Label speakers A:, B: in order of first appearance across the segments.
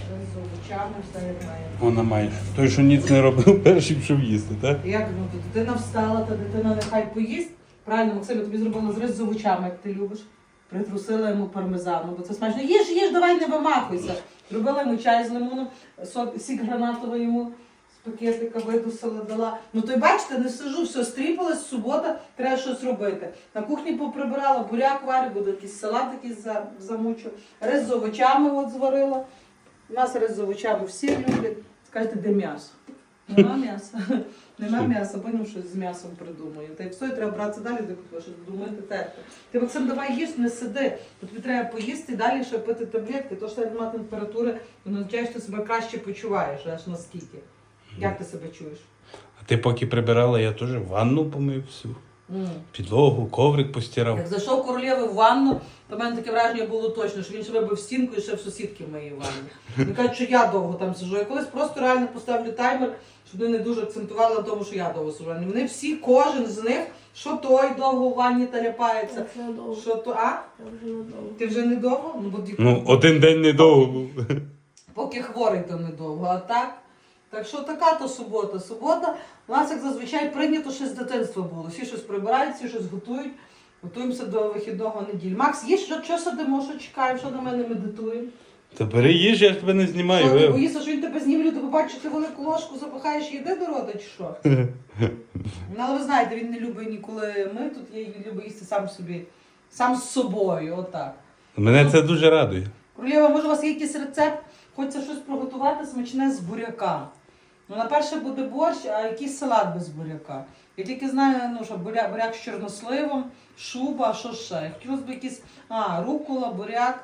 A: з овочами, все як має.
B: Вона має. Той, що ніц не робив, перший пішов їсти, так?
A: Як, ну, то дитина встала, та дитина нехай поїсть. Правильно, Максим, я тобі зробила зріз з овочами, як ти любиш. Притрусила йому пармезану, бо це смачно. Їж, давай не вимахуйся. Зробила йому чай з лимоном, сік гранатовий йому з пакетика видусила, дала. Ну то й бачите, не сижу, все, стріпалась, субота, треба щось робити. На кухні поприбирала, буряк варю, буде якийсь салат якийсь замучу. Рис з овочами от зварила. У нас рис з овочами всі люблять. Скажете, де м'ясо? Нема м'яса. Нема м'яса, потім щось з м'ясом придумаю. Та й все, треба братися далі, де щось думати, терти. Ти, Максим, давай їж, не сиди. Тобі треба поїсти і далі ще пити таблетки. То, що немає температури, воно означає, що ти себе краще почуваєш, аж наскільки. Як ти себе чуєш?
B: А ти поки прибирала, я теж ванну помив всю. Підлогу, коврик постирав.
A: Як зайшов королєви в ванну, то в мене таке враження було точно, що він ще вибив стінку і ще в сусідки в моїй ванні. Він каже, що я довго там сижу. Я колись просто реально поставлю таймер, щоб вони не дуже акцентували на тому, що я довго сижу. Вони всі, кожен з них, що той довго в ванні таляпається, що то, а? Ти вже не довго?
B: Ну, один день недовго був.
A: Поки хворий, то недовго, а так? Так що така то субота. Субота у нас, як зазвичай, прийнято ще з дитинства було. Всі щось прибирають, всі щось готують. Готуємося до вихідного неділі. Макс, є що сидимо, що чекаємо, що на мене медитуємо?
B: Та бери їж, я ж тебе не знімаю.
A: Що, ти боїшся, що він тебе зніме, люди побачать, що ти велику ложку запихаєш і йде до рота, чи що? Ну, але ви знаєте, він не любить ніколи ми тут, він любить їсти сам собі, сам з собою, отак.
B: Мене це дуже радує.
A: Королєва, може у вас є якийсь рецепт? Хочеться щось приготувати смачне з буряка. Ну, на перше буде борщ, а якийсь салат без буряка. Я тільки знаю, ну, що буряк з чорносливом, шуба, що ще. Хотілося б якийсь, рукола, буряк,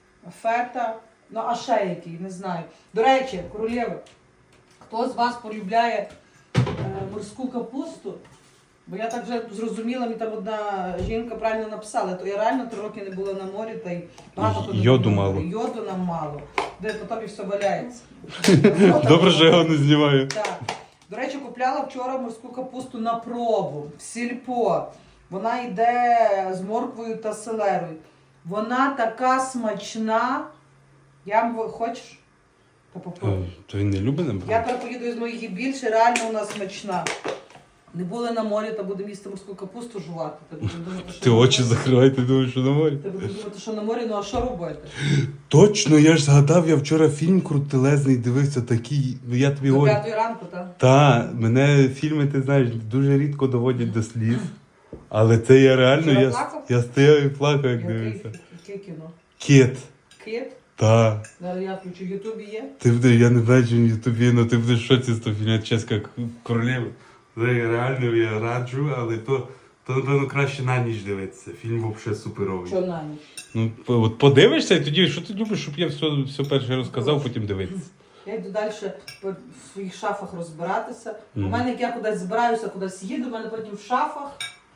A: фета, ну, а ще який, не знаю. До речі, королєва, хто з вас полюбляє морську капусту? Бо я так вже зрозуміла, мені там одна жінка правильно написала, то я реально 3 роки не була на морі, та й багато ходила.
B: Йоду мало.
A: Йоду нам мало, де потім і все валяється.
B: Добре, що я його не знімаю.
A: Так. До речі, купляла вчора морську капусту на пробу, в сільпо. Вона йде з морквою та селерою. Вона така смачна. Хочеш? Та попробуй.
B: То він не любить набрати?
A: Я тепер поїду із моїх і більше, реально вона смачна. Не були на морі, та будемо їсти морську капусту жувати.
B: Ти очі закривай, ти думаєш, що на морі?
A: Ти будеш думати, що на морі, ну а що робити?
B: Точно, я ж згадав, я вчора фільм крутелезний дивився, такий, я тобі
A: До
B: говорю.
A: 5 ранку, так?
B: Та, мене фільми, ти знаєш, дуже рідко доводять до сліз. Але це я реально,
A: Вчора плакав?
B: я стояв і плакав, як дивився.
A: Яке кіно?
B: Кіт.
A: Кіт?
B: Та.
A: Я включу, в Ютубі є.
B: Я не знаю, чи в Ютубі, але ти будеш в шоці з того фільму «Чеська королева». Реально я раджу, але то напевно краще на ніч дивитися. Фільм взагалі суперовий.
A: Що на ніч?
B: Ну, от подивишся і тоді, що ти любиш, щоб я все перше розказав, потім дивитися.
A: Я йду далі в своїх шафах розбиратися. У мене, як я кудись збираюся, кудись їду, у мене потім в шафах.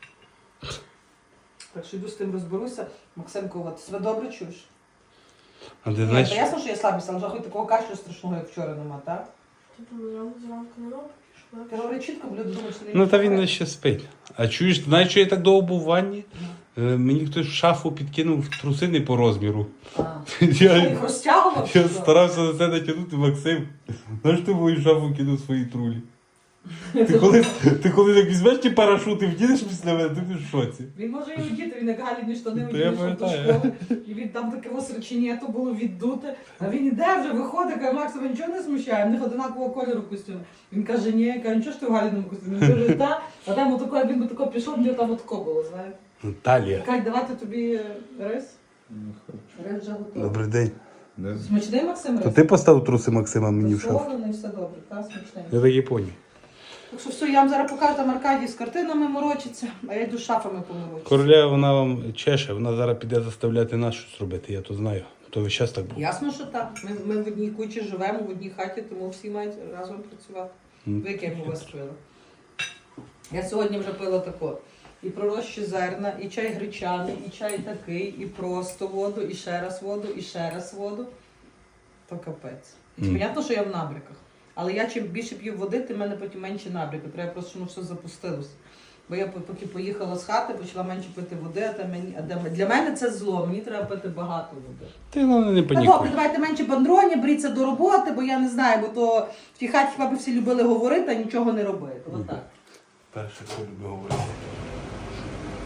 A: Так що йду з тим розберуся. Максимко, от, себе добре чуєш?
B: А ти
A: Ні,
B: знаєш,
A: та ясно, що я слабість, але вже хоч такого кашлю страшного, як вчора нема, так?
C: Типу, зранку не робиш?
A: Ти говори чітко, бо люди думають, що ти
B: ну та він ще спить. А чуєш, ти знаєш, що я так довго був в ванні? Мені хтось в шафу підкинув труси не по розміру.
A: Я їх розтягував?
B: Я старався на це натягнути, Максим. Знаєш, ти в мою шафу кинув свої трулі. Ти коли так візьмеш ті парашути, вдінеш після мене, ти будеш в шоці.
A: Він може і одіти, він як галідні штани
B: Та я
A: одіти, до
B: пам'ятаю.
A: школи. І він там таке осречення, то було віддуте. А він іде вже, виходить, каже, Макс, тебе нічого не смущає, в них одинакового кольору костюм. Він каже, ні, я кажу, нічого ж ти в галідному костюмі? Він каже, та, а там отако, як він би тако пішов, мені там отако було, знаєте.
B: Талія.
A: Кать, давати тобі рис? Рис вже готовий.
B: Добрий день.
A: Смачний, Максим,
B: То
A: рис?
B: ти поставив труси Максима мені в шафу?
A: Солоний, все добре, та, смачний.
B: Я так і поняв.
A: Так що все, я вам зараз покажу, там Аркадій з картинами морочиться, а я йду з шафами поморочиться.
B: Короля, вона вам чеше, вона зараз піде заставляти нас щось робити, я то знаю. То весь час так було.
A: Ясно, що так. Ми в одній кучі живемо, в одній хаті, тому всі мають разом працювати. Ви яке у вас пили? Я сьогодні вже пила тако. І пророщі зерна, і чай гречаний, і чай такий, і просто воду, і ще раз воду, і ще раз воду. То капець. Понятно, що я в набряках. Але я чим більше п'ю води, тим в мене потім менше набряки. Треба просто, щоб воно все запустилося. Бо я поки поїхала з хати, почала менше пити води, для мене це зло, мені треба пити багато води.
B: Ти головне не
A: Та добре,
B: панікуй.
A: давайте менше бандроні, беріться до роботи, бо я не знаю, бо то в тій хаті хіба б всі любили говорити, а нічого не робити. Отак.
B: Перше, хто любить говорити.